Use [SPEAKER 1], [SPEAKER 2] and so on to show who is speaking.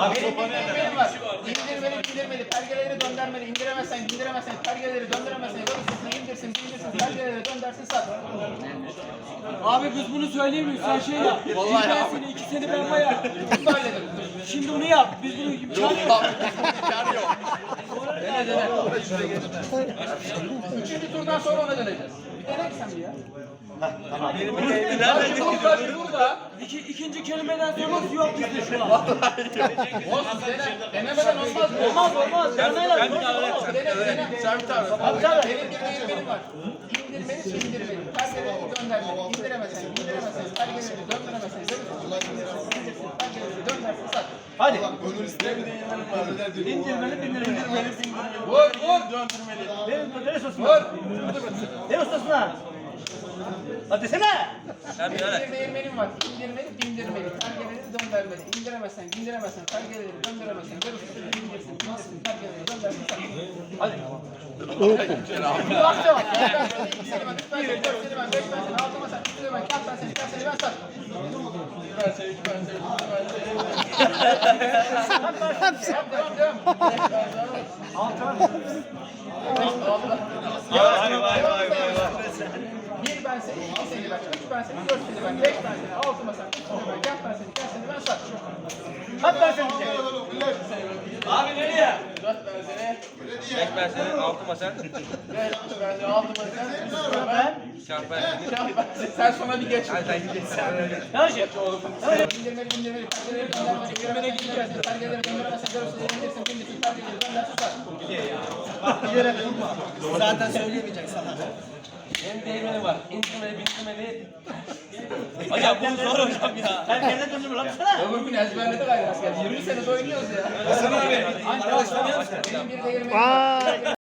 [SPEAKER 1] Benim benim var. İndirmeli, indirmeli, pergeleleri döndürmeli, indiremezsen, indiremezsen, pergeleleri döndüremezsen, görürsün, indirsin, pergeleleri döndersin, sat.
[SPEAKER 2] Abi biz bunu söyleyeyim mi? Sen şey yap.
[SPEAKER 1] Vallahi
[SPEAKER 2] ben
[SPEAKER 1] ya.
[SPEAKER 2] seni 2 sene ben bayağı.
[SPEAKER 1] Bunu da halledelim.
[SPEAKER 2] Şimdi onu yap. Biz bunu imkanı yok.
[SPEAKER 1] İmkanı yok. Dene dene. Üçüncü turdan sonra ona döneceğiz. Bir dene ki sen bir ya. Nerede? Burada.
[SPEAKER 2] İkinci kelimeden sonra yok bizde şu an.
[SPEAKER 1] Olsun dene. Denemeden olmaz mı?
[SPEAKER 2] Olmaz. Deneyle.
[SPEAKER 1] Dene. Servet abi. Benim bir benim var. İndirmeli, indirmeli. Pergeleri döndürmeli. İndiremezsen, pergeleri döndüremezsen, pergeleri döndersin, sat.
[SPEAKER 2] Hadi.
[SPEAKER 3] İndirmeli.
[SPEAKER 1] Vur, vur.
[SPEAKER 3] Döndürmeli.
[SPEAKER 2] Neresi olsun?
[SPEAKER 1] Vur.
[SPEAKER 2] Ne ustasına? Hadi desene.
[SPEAKER 1] Benim bir değirmenim var. İndirmeli, bindirmeli. Pergeleri döndürmeli. İndiremezsen, pergeleri döndüremezsen, görürsün, indirsin, pergeleri döndersin, sat. Hadi. Bu akça bak. Ben 2 sene ben, 3 sene ben, 4 sene ben, 5 sene, 6 sene, 3 sene ben, 4 sene, 5 sene ben sat. Devam. Bir ben seni, 2 sene ben, 3 ben seni, 4 sene ben, 5 ben seni, 6 ben seni, 3 sene ben, 4 ben seni, 5 sene ben sat.
[SPEAKER 2] Hadi ben seni diyeceğim. Abi nereye?
[SPEAKER 1] 4 ben seni,
[SPEAKER 4] 5 ben senin, 6 masan.
[SPEAKER 1] 5 ben seni, 6 ben seni, 3 sene ben.
[SPEAKER 4] Şamp ben senin.
[SPEAKER 1] Sen sonra bir geç.
[SPEAKER 4] Hadi sen gideceksin.
[SPEAKER 2] Ne olacak?
[SPEAKER 1] İndirmeli, pergeleri döndürmeli, indiremezsen, pergeleri döndüremezsen, görürsün, indirsin, pergeleri döndersin, sat.
[SPEAKER 2] Zaten söyleyemeyecek sana.
[SPEAKER 4] Benim değirmenim var. İndirmeli, bindirmeli. Hocam bu zor hocam ya.
[SPEAKER 2] Herkese döndürme lan sana.
[SPEAKER 1] Öbür gün ezberledik ayrı asker. 20 sene oynuyoruz ya.
[SPEAKER 4] Hasan abi. Arkadaşlar
[SPEAKER 1] Benim bir değirmenim var.